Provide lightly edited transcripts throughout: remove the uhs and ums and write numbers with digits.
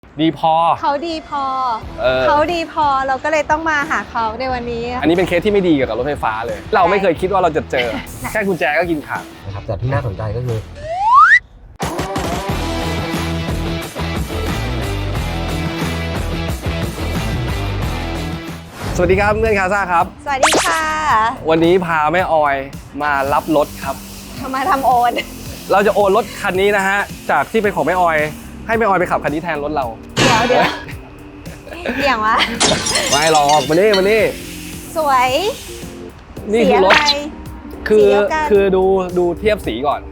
ดีพอเขาดีพอเขาดีพอเราก็เลยต้องมาหาเขาในวันนี้อันนี้เป็นเคสที่ไม่ดีเกี่ยวกับรถไฟฟ้าเลยเราไม่เคยคิดว่าเราจะเจอแค่กุญแจก็กินขาดนะครับแต่ที่น่าสนใจก็คือสวัสดีครับเพื่อนคาซ่าครับสวัสดีค่ะวันนี้พาแม่ออยมารับรถครับมาทำโอนเราจะโอนรถคันนี้นะฮะจากที่เป็นของแม่ออยให้แม่ออยไปขับคันนี้แทนรถเราเดี๋ยวอย่างวะไม่หรอกมานี่สวยนี่คือรถคือดูเทียบสีก่อน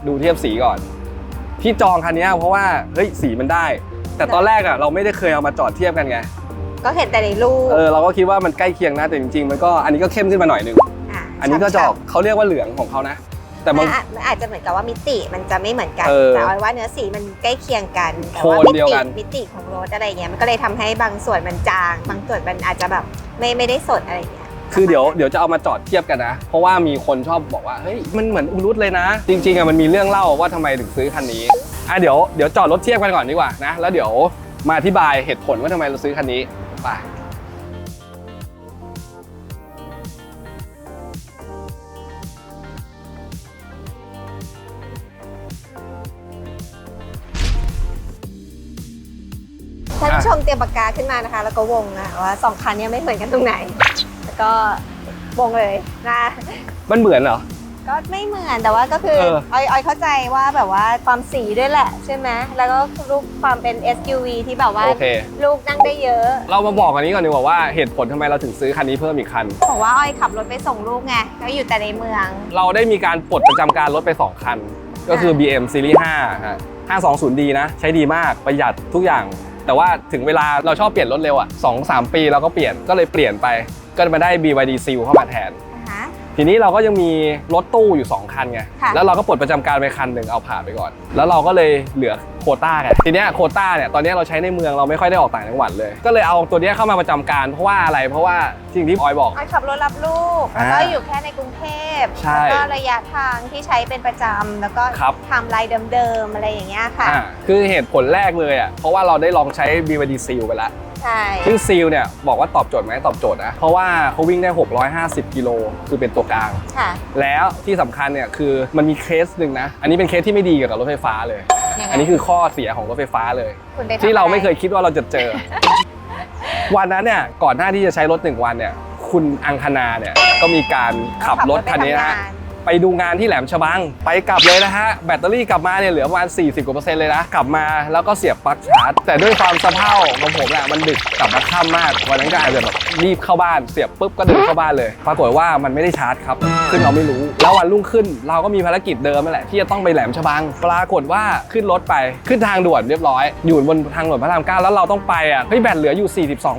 ที่จองคันนี้เพราะว่าเฮ้ยสีมันได้แต่ตอนแรกอ่ะเราไม่ได้เคยเอามาจอดเทียบกันไงก็เห็นแต่ในรูปเราก็คิดว่ามันใกล้เคียงนะแต่จริงๆมันก็อันนี้ก็เข้มขึ้นมาหน่อยนึงอันนี้ก็จะออกเขาเรียกว่าเหลืองของเขานะแต่มันอาจจะเหมือนกับว่ามิติมันจะไม่เหมือนกันแต่ว่าเนื้อสีมันใกล้เคียงกันแต่ว่ามิติของรถอะไรเงี้ยมันก็เลยทำให้บางส่วนมันจางบางส่วนมันอาจจะแบบไม่ได้สดอะไรเงี้ยคือเดี๋ยวจะเอามาจอดเทียบกันนะเพราะว่ามีคนชอบบอกว่าเฮ้ยมันเหมือนอุรุตเลยนะจริงๆอ่ะมันมีเรื่องเล่าว่าทำไมถึงซื้อคันนี้เดี๋ยวจอดรถเทียบกันก่อนดีกว่านะแล้วเดี๋ยวมาอธิบายเหตุผลว่าทำไมเราซื้อคันนี้ไปท่านผู้ชมเตรียมปากกาขึ้นมานะคะแล้วก็วงนะว่าสองคันนี้ไม่เหมือนกันตรงไหนแล้วก็วงเลยนะมันเหมือนเหรอก็ไม่เหมือนแต่ว่าก็คือออยเข้าใจว่าแบบว่าความสีด้วยแหละใช่ไหมแล้วก็รูปความเป็น SUV ที่แบบว่าลูกนั่งได้เยอะเรามาบอกอันนี้ก่อนดีกว่าว่าเหตุผลทำไมเราถึงซื้อคันนี้เพิ่มอีกคันบอกว่าออยขับรถไปส่งลูกไงก็อยู่แต่ในเมืองเราได้มีการปลดประจำการรถไป2คันก็คือ BM Series 5 520D นะใช้ดีมากประหยัดทุกอย่างแต่ว่าถึงเวลาเราชอบเปลี่ยนรถเร็วอ่ะ 2-3 ปีเราก็เปลี่ยนก็เลยเปลี่ยนไปก็มาได้ BYD Seal เข้ามาแทนทีนี้เราก็ยังมีรถตู้อยู่2คันไงแล้วเราก็ปลดประจำการไปคันหนึ่งเอาผ่านไปก่อนแล้วเราก็เลยเหลือโควต้าไงทีนี้โควต้าเนี่ยตอนนี้เราใช้ในเมืองเราไม่ค่อยได้ออกต่างจังหวัดเลยก็เลยเอาตัวนี้เข้ามาประจำการเพราะว่าอะไรเพราะว่าสิ่งที่ออยบอกขับรถรับลูกแล้วก็อยู่แค่ในกรุงเทพแล้วก็ระยะทางที่ใช้เป็นประจำแล้วก็ทำลายเดิมๆอะไรอย่างเงี้ยค่ะคือเหตุผลแรกเลยอ่ะเพราะว่าเราได้ลองใช้ BYD Seal ไปแล้วซึ่งซีลเนี่ยบอกว่าตอบโจทย์ไหมตอบโจทย์นะเพราะว่าเขาวิ่งได้650กิโลคือเป็นตัวกลางแล้วที่สำคัญเนี่ยคือมันมีเคสหนึ่งนะอันนี้เป็นเคสที่ไม่ดีเกี่ยวกับรถไฟฟ้าเลยอันนี้คือข้อเสียของรถไฟฟ้าเลยที่เราไม่เคยคิดว่าเราจะเจอวันนั้นเนี่ยก่อนหน้าที่จะใช้รถ1วันเนี่ยคุณอังคณาเนี่ยก็มีการขับรถคันนี้นะไปดูงานที่แหลมฉบังไปกลับเลยนะฮะแบตเตอรี่กลับมาเนี่ยเหลือประมาณ40%กว่าเลยนะกลับมาแล้วก็เสียบปลั๊กชาร์จแต่ด้วยความสะเพร่าของผมเนี่ยมันดึกกลับมาค่ำมากวันนั้นก็อาจจะแบบรีบเข้าบ้านเสียบปุ๊บก็เดินเข้าบ้านเลยปรากฏว่ามันไม่ได้ชาร์จครับซึ่งเราไม่รู้แล้ววันรุ่งขึ้นเราก็มีภารกิจเดิมนั่นแหละที่จะต้องไปแหลมฉบังปรากฏว่าขึ้นรถไปขึ้นทางด่วนเรียบร้อยอยู่บนทางด่วนพระราม9แล้วเราต้องไปอ่ะเฮ้ยแบตเหลืออยู่ 42%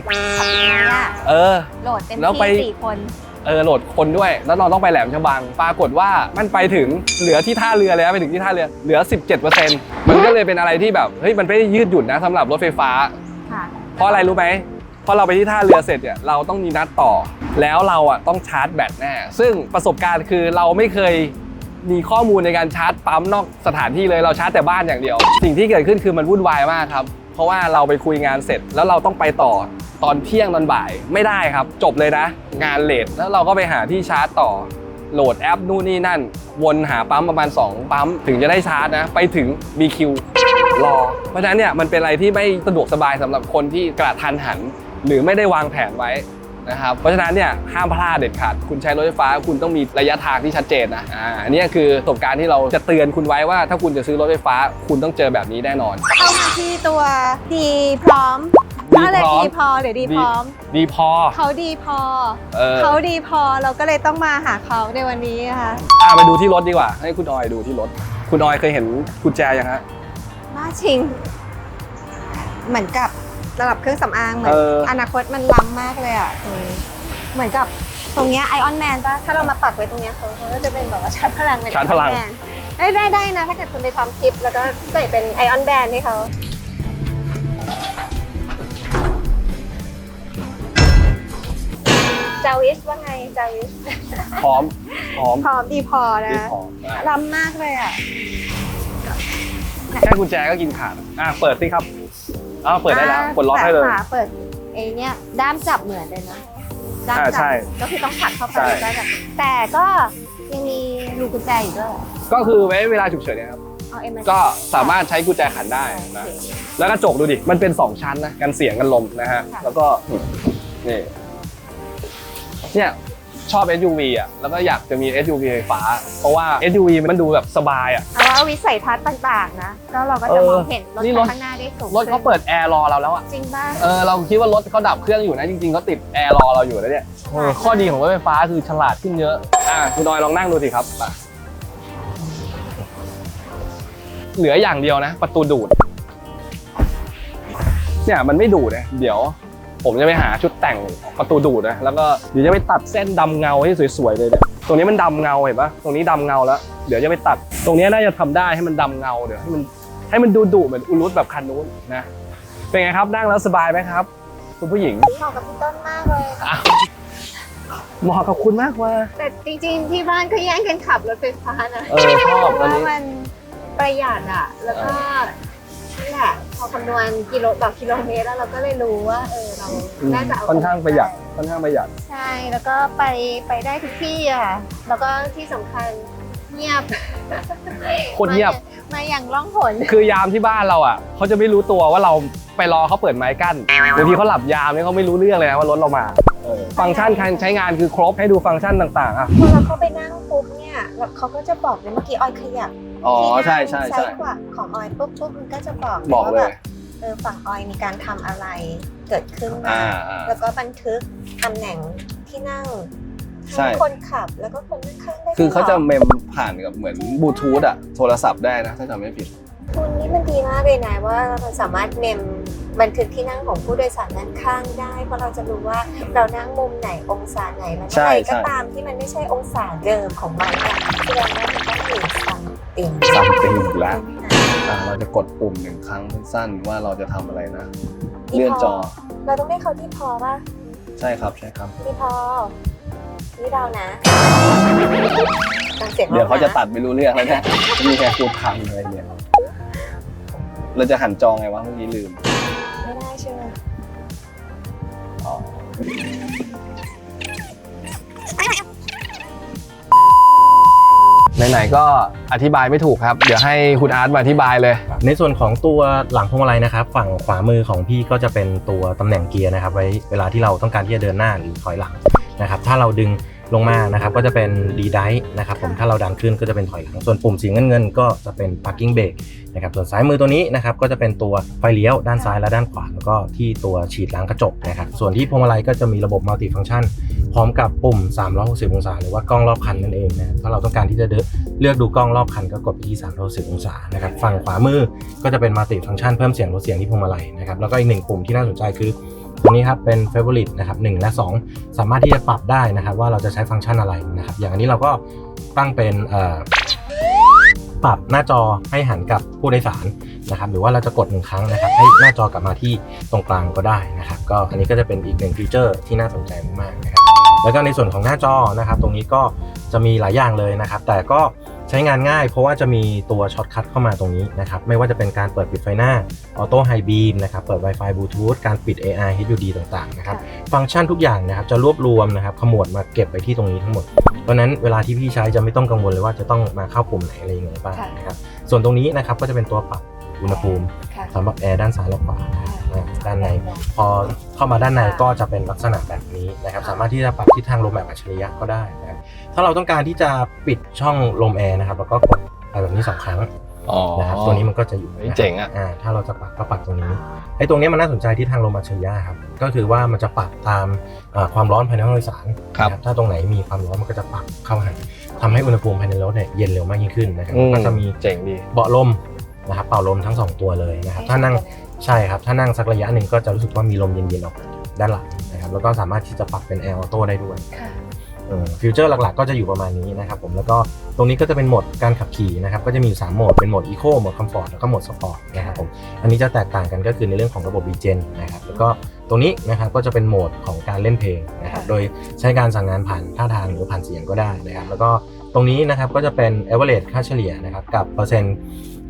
โหลดเต็มที่4 คนโหลดคนด้วยแล้วเราต้องไปแหลมฉบังปรากฏว่ามันไปถึงเหลือที่ท่าเรือแล้วไปถึงที่ท่าเรือเหลือ 17% มันก็เลยเป็นอะไรที่แบบเฮ้ยมันไม่ได้ยืดหยุ่นนะสำหรับรถไฟฟ้าเพราะอะไรรู้ไหมพอเราไปที่ท่าเรือเสร็จเนี่ยเราต้องมีนัดต่อแล้วเราอ่ะต้องชาร์จแบตแน่ซึ่งประสบการณ์คือเราไม่เคยมีข้อมูลในการชาร์จปั๊มนอกสถานที่เลยเราชาร์จแต่บ้านอย่างเดียวสิ่งที่เกิดขึ้นคือมันวุ่นวายมากครับเพราะว่าเราไปคุยงานเสร็จแล้วเราต้องไปต่อตอนเที่ยงตอนบ่ายไม่ได้ครับจบเลยนะงานเลทแล้วเราก็ไปหาที่ชาร์จต่อโหลดแอปนู่นนี่นั่นวนหาปั๊มประมาณ2ปั๊มถึงจะได้ชาร์จนะไปถึงมีคิวรอเพราะฉะนั้นเนี่ยมันเป็นอะไรที่ไม่สะดวกสบายสำหรับคนที่กระทันหันหรือไม่ได้วางแผนไว้นะครับเพราะฉะนั้นเนี่ยห้ามพลาดเด็ดขาดคุณใช้รถไฟฟ้าคุณต้องมีระยะทางที่ชัดเจนนะอันนี้คือประสบการณ์ที่เราจะเตือนคุณไว้ว่าถ้าคุณจะซื้อรถไฟฟ้าคุณต้องเจอแบบนี้แน่นอนเข้ามาที่ตัวดีพร้อมอะไรดีพอหรือดีพร้อมดีพอเขาดีพอเขาดีพอเราก็เลยต้องมาหาเขาในวันนี้ค่ะไปดูที่รถดีกว่าให้คุณออยดูที่รถคุณออยเคยเห็นกุญแจยังฮะมาชิงเหมือนกับระดับเครื่องสำอางเหมือนอนาคตมันล้ำมากเลยอ่ะเหมือนกับตรงเนี้ยไอออนแมนป่ะถ้าเรามาปักไว้ตรงเนี้ยเขาก็จะเป็นแบบว่าชาร์จพลังเป็นชาร์จพลังได้นะถ้าเกิดคุณไปทำคลิปแล้วก็ใส่เป็นไอออนแบนให้เขาจาวิสว่าไงจาวิสพร้อมดีพอนะล้ำมากเลยอ่ะแค่กุญแจก็กินขาดเปิดสิครับอ้าวเปิดได้แล้วกดล็อกให้เลยเปิดเนี้ยด้ามจับเหมือนเลยนะด้ามจับก็คือต้องผลักเข้าไปได้แบบแต่ก็ยังมีรูกุญแจอยู่ด้วยก็คือไว้เวลาฉุกเฉินเนี่ยครับก็สามารถใช้กุญแจขันได้นะแล้วกระจกดูดิมันเป็น2ชั้นนะกันเสียงกันลมนะฮะแล้วก็นี่เนี่ยชอบ SUV อ่ะแล้วก็อยากจะมี SUV ไฟฟ้าเพราะว่า SUV มันดูแบบสบายอ่ะแล้ววิสัยทัศน์ต่างๆนะก็เราก็จะมองเห็นรถข้างหน้าได้สูงรถเขาเปิดแอร์รอเราแล้วอ่ะจริงป่ะเราคิดว่ารถเขาดับเครื่องอยู่นะจริงๆเขาติดแอร์รอเราอยู่แล้วเนี่ยข้อดีของรถไฟฟ้าคือฉลาดขึ้นเยอะคุณนอยลองนั่งดูสิครับเหลืออย่างเดียวนะประตูดูดเนี่ยมันไม่ดูดนะเดี๋ยวผมจะไปหาชุดแต่งประตูดูดนะแล้วก็เดี๋ยวจะไปตัดเส้นดำเงาให้สวยๆเลยเนี่ยตรงนี้มันดำเงาเห็นปะตรงนี้ดำเงาแล้วเดี๋ยวจะไปตัดตรงนี้น่าจะทำได้ให้มันดำเงาเดี๋ยวให้มันดูดุเหมือนอุรุตแบบคันนู้นนะเป็นไงครับนั่งแล้วสบายไหมครับคุณผู้หญิงเหมาะกับพี่ต้นมากเลยเหมาะกับคุณมากว่าแต่จริงๆที่บ้านก็แย่งกันขับรถไฟฟ้านะชอบตอนนี้มันประหยัดอ่ะแล้วก็นี่แหละพอคำนวณต่อกิโลเมตรแล้วเราก็เลยรู้ว่าเราน่าจะเอาค่อนข้างประหยัดใช่แล้วก็ไปได้ทุกที่อ่ะแล้วก็ที่สำคัญเงียบคนเงียบมาอย่างล่องหนคือยามที่บ้านเราอ่ะเขาจะไม่รู้ตัวว่าเราไปรอเขาเปิดไม้กั้นบางทีเขาหลับยามเนี่ยเขาไม่รู้เรื่องเลยนะว่ารถเรามาฟังก์ชันการใช้งานคือครบให้ดูฟังก์ชันต่างๆอ่ะพอเราเข้าไปนั่งปุ๊บเนี่ยเขาก็จะบอกเลยเมื่อกี้ออยขยับใช่กว่าของออยปุ๊บมันก็จะบอกเลยฝั่งออยมีการทำอะไรเกิดขึ้นมาแล้วก็บันทึกตำแหน่งที่นั่งคนขับแล้วก็คนนั่งข้างได้คือเขาจะเมมผ่านกับเหมือนบลูทูธอะโทรศัพท์ได้นะถ้าจำไม่ผิดคุณนี่มันดีมากเลยนะว่าเราสามารถเมมบันทึกที่นั่งของผู้โดยสารด้านข้างได้เพราะเราจะรู้ว่าเรานั่งมุมไหนองศาไหนแล้วอะไรก็ตามที่มันไม่ใช่องศาเดิมของมันเนี่ยแสดงว่ามันต้องมีซัมติงแล้วเราจะกดปุ่ม1 ครั้งสั้นๆว่าเราจะทำอะไรนะเลื่อนจอเราต้องได้เขาที่พอป่ะใช่ครับที่พอนี่เรานะเดี๋ยวเขาจะตัดไม่รู้เรื่องแล้วเนี่ยมีแค่พูดคำอะไรเนี่ยเราจะหันจอไงวะเมื่อกี้ลืมไม่ได้ใช่ไหมไหนๆก็อธิบายไม่ถูกครับเดี๋ยวให้คุณอาร์ตมาอธิบายเลยในส่วนของตัวหลังพวงมาลัยนะครับฝั่งขวามือของพี่ก็จะเป็นตัวตำแหน่งเกียร์นะครับไว้เวลาที่เราต้องการที่จะเดินหน้าหรือถอยหลังนะครับถ้าเราดึงลงมานะครับก็จะเป็นดีไดท์นะครับผมถ้าเราดันขึ้นก็จะเป็นถอยหลังส่วนปุ่มสีเงินก็จะเป็น parking brake นะครับส่วนซ้ายมือตัวนี้นะครับก็จะเป็นตัวไฟเลี้ยวด้านซ้ายและด้านขวาแล้วก็ที่ตัวฉีดล้างกระจกนะครับส่วนที่พวงมาลัยก็จะมีระบบมัลติฟังก์ชันพร้อมกับปุ่ม360องศาหรือว่ากล้องรอบคันนั่นเองนะถ้าเราต้องการที่จะเลือกดูกล้องรอบคันก็กดไปที่360องศานะครับฝั่งขวามือก็จะเป็นมัลติฟังก์ชันเพิ่มเสียงลดเสียงที่พวงมาลัยนะครับแล้วก็อีก1ปุ่มที่น่าสนใจคือตัวนี้ครับเป็น Favorite นะครับ1และ2สามารถที่จะปรับได้นะครับว่าเราจะใช้ฟังก์ชันอะไรนะครับอย่างอันนี้เราก็ตั้งเป็นปรับหน้าจอให้หันกับผู้โดยสารนะครับหรือว่าเราจะกด1 ครั้งนะครับให้หน้าจอกลับมาที่ตรงกลางก็ได้นะครับก็อันนี้ก็จะเป็นอีก1ฟีเจอร์ที่น่าสนใจมากๆนะครับแล้วก็ในส่วนของหน้าจอนะครับตรงนี้ก็จะมีหลายอย่างเลยนะครับแต่ก็ใช้งานง่ายเพราะว่าจะมีตัวช็อตคัทเข้ามาตรงนี้นะครับไม่ว่าจะเป็นการเปิดปิดไฟหน้าออโต้ไฮบีมนะครับเปิด Wi-Fi Bluetooth การปิด AI HUD ต่างๆนะครับฟังก์ชันทุกอย่างนะครับจะรวบรวมนะครับขมวดมาเก็บไปที่ตรงนี้ทั้งหมดเพราะนั้นเวลาที่พี่ใช้จะไม่ต้องกังวลเลยว่าจะต้องมาเข้าปุ่มไหนอะไรยังไงบ้างนะครับส่วนตรงนี้นะครับก็จะเป็นตัวปรับอุณหภูมิสำหรับแอร์ด้านซ้ายและขวาด้านในพอเข้ามาด้านในก็จะเป็นลักษณะแบบนี้นะครับสามารถที่จะปรับทิศทางลมแบบอัจฉริยะก็ได้นะครับถ้าเราต้องการที่จะปิดช่องลมแอร์นะครับแล้วก็กดไปแบบนี้2 ครั้งนะครับตัวนี้มันก็จะอยู่เจ๋งอ่ะถ้าเราจะปรับก็ปรับตรงนี้ไอ้ตรงนี้มันน่าสนใจที่ทางลมอัจฉริยะครับก็คือว่ามันจะปรับตามความร้อนภายในห้องโดยสารถ้าตรงไหนมีความร้อนมันก็จะปรับเข้าหาทำให้อุณหภูมิภายในรถเนี่ยเย็นเร็วมากยิ่งขึ้นนะครับก็จะมีเจ๋งดีเบาะลมนะครับเป่าลมทั้ง2ตัวเลยนะครับถ้านั่งใช่ครับถ้านั่งสักระยะหนึ่งก็จะรู้สึกว่ามีลมเย็นๆออกด้านหลังนะครับแล้วก็สามารถที่จะปรับเป็นแอร์ออโต้ได้ด้วยฟิวเจอร์หลักๆก็จะอยู่ประมาณนี้นะครับผมแล้วก็ตรงนี้ก็จะเป็นโหมดการขับขี่นะครับก็จะมีอยู่3โหมดเป็นโหมดอีโคโหมดคอมฟอร์ตแล้วก็โหมดสปอร์ตนะครับผมอันนี้จะแตกต่างกันก็คือในเรื่องของระบบรีเจนนะครับแล้วก็ตรงนี้นะครับก็จะเป็นโหมดของการเล่นเพลงนะครับโดยใช้การสั่งงานผ่านท่าทางหรือผ่านเสียงก็ได้นะครับแล้วก็ตรงนี้นะครับก็จะเป็น average ค่าเฉลี่ยนะครับกับเปอร์เซ็นต์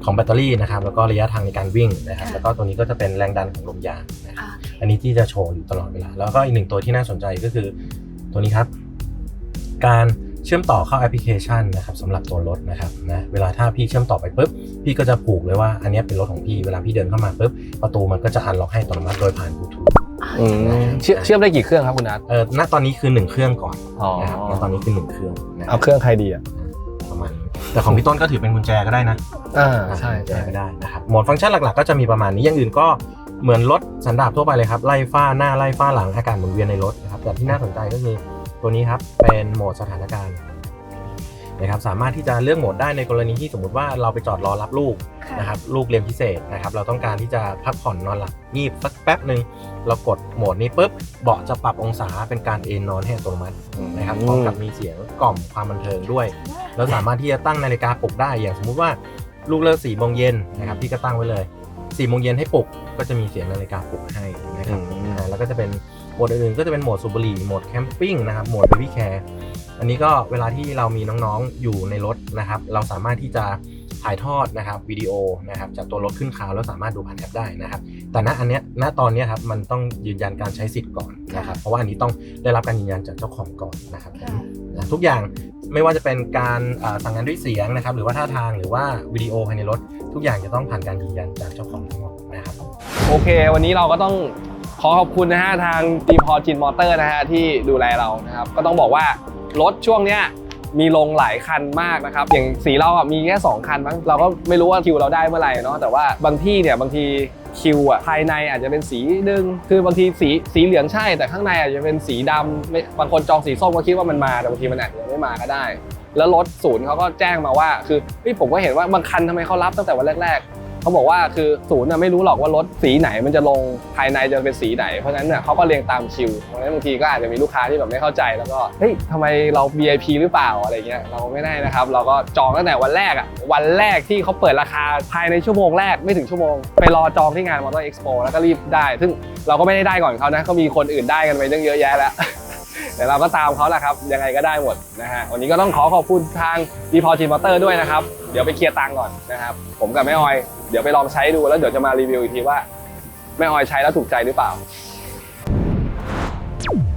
ของแบตเตอรี่นะครับแล้วก็ระยะทางในการวิ่งนะครับแล้วก็ตัวนี้ก็จะเป็นแรงดันของลมยางนะครับอันนี้ที่จะโชว์อยู่ตลอดเวลาแล้วก็อีกหนึ่งตัวที่น่าสนใจก็คือตัวนี้ครับการเชื่อมต่อเข้าแอปพลิเคชันนะครับสำหรับตัวรถนะครับนะเวลาถ้าพี่เชื่อมต่อไปปุ๊บพี่ก็จะผูกเลยว่าอันนี้เป็นรถของพี่เวลาพี่เดินเข้ามาปุ๊บประตูมันก็จะอันล็อกให้อัตโนมัติโดยผ่านบลูทูธเชื่อมได้กี่เครื่องครับคุณนัทณตอนนี้คือ1เครื่องก่อนนะครับณตอนนี้คือ1เครื่องเอาเครื่องใครดีอ่ะประมาณแต่ของพี่ต้นก็ถือเป็นกุญแจก็ได้นะใช่กุญแจก็ได้นะครับโหมดฟังก์ชันหลักๆก็จะมีประมาณนี้อย่างอื่นก็เหมือนรถสันดาปทั่วไปเลยครับไล่ฝ้าหน้าไล่ฝ้าหลังอากาศหมุนเวียนในรถนะครับแต่ที่น่าสนใจก็คือตัวนี้ครับเป็นโหมดสถานการณ์นะครับสามารถที่จะเลือกโหมดได้ในกรณีที่สมมุติว่าเราไปจอดรอรับลูกนะครับลูกเรียนพิเศษนะครับเราต้องการที่จะพักผ่อนนอนหลับงีบสักแป๊บหนึ่งเรากดโหมดนี้ปุ๊บเบาะจะปรับองศาเป็นการเอนนอนให้อัตโนมัตินะครับพร้อมกับมีเสียงกล่อมความบันเทิงด้วยแล้วสามารถที่จะตั้งนาฬิกาปลุกได้อย่างสมมุติว่าลูกเลิก4 โมงเย็นนะครับพี่ก็ตั้งไว้เลย4 โมงเย็นให้ปลุกก็จะมีเสียงนาฬิกาปลุกให้นะครับแล้วก็จะเป็นโหมดอื่นๆก็จะเป็นโหมดสูบบุหรี่โหมดแคมปิ้งนะครับโหมดเบบี้แคร์อันนี้ก็เวลาที่เรามีน้องๆอยู่ในรถนะครับเราสามารถที่จะถ่ายทอดนะครับวิดีโอนะครับจากตัวรถขึ้นคลาวแล้วสามารถดูผ่านแอปได้นะครับแต่ณตอนนี้ครับมันต้องยืนยันการใช้สิทธิ์ก่อนนะครับเพราะว่าอันนี้ต้องได้รับการยืนยันจากเจ้าของก่อนนะครับทุกอย่างไม่ว่าจะเป็นการสั่งงานด้วยเสียงนะครับหรือว่าท่าทางหรือว่าวิดีโอภายในรถทุกอย่างจะต้องผ่านการยืนยันจากเจ้าของทั้งหมดนะครับโอเควันนี้เราก็ต้องขอขอบคุณนะฮะทางดีพอจินมอเตอร์นะฮะที่ดูแลเรานะครับก็ต้องบอกว่ารถช่วงเนี้ยมีลงหลายคันมากนะครับอย่างสีเราอ่ะมีแค่2คันมั้งเราก็ไม่รู้ว่าคิวเราได้เมื่อไหร่เนาะแต่ว่าบางที่เนี่ยบางทีคิวอ่ะภายในอาจจะเป็นสีนึงคือบางทีสีเหลืองใช่แต่ข้างในอาจจะเป็นสีดำบางคนจองสีส้มก็คิดว่ามันมาแต่บางทีมันอาจจะไม่มาก็ได้แล้วรถศูนย์เขาก็แจ้งมาว่าคือผมก็เห็นว่าบางคันทำไมเขารับตั้งแต่วันแรกเขาบอกว่าคือศูนย์ไม่รู้หรอกว่ารถสีไหนมันจะลงภายในจะเป็นสีไหนเพราะฉะนั้นเนี่ยเขาก็เรียงตามคิวเพราะฉะนั้นบางทีก็อาจจะมีลูกค้าที่แบบไม่เข้าใจแล้วก็เฮ้ยทำไมเรา VIP หรือเปล่าอะไรเงี้ยเราไม่ได้นะครับเราก็จองตั้งแต่วันแรกอ่ะวันแรกที่เขาเปิดราคาภายในชั่วโมงแรกไม่ถึงชั่วโมงไปรอจองที่งาน Motor Expo แล้วก็รีบได้ซึ่งเราก็ไม่ได้ก่อนเขานะเขามีคนอื่นได้กันไปตั้งเยอะแยะแล้วแต่เราก็ตามเขาแหละครับยังไงก็ได้หมดนะฮะวันนี้ก็ต้องขอบคุณทางดีพอจินมอเตอร์ด้วยนะครับเดี๋ยวไปเคลียร์ตังค์ก่อนนะครับผมกับแม่ออยเดี๋ยวไปลองใช้ดูแล้วเดี๋ยวจะมารีวิวอีกทีว่าแม่ออยใช้แล้วถูกใจหรือเปล่า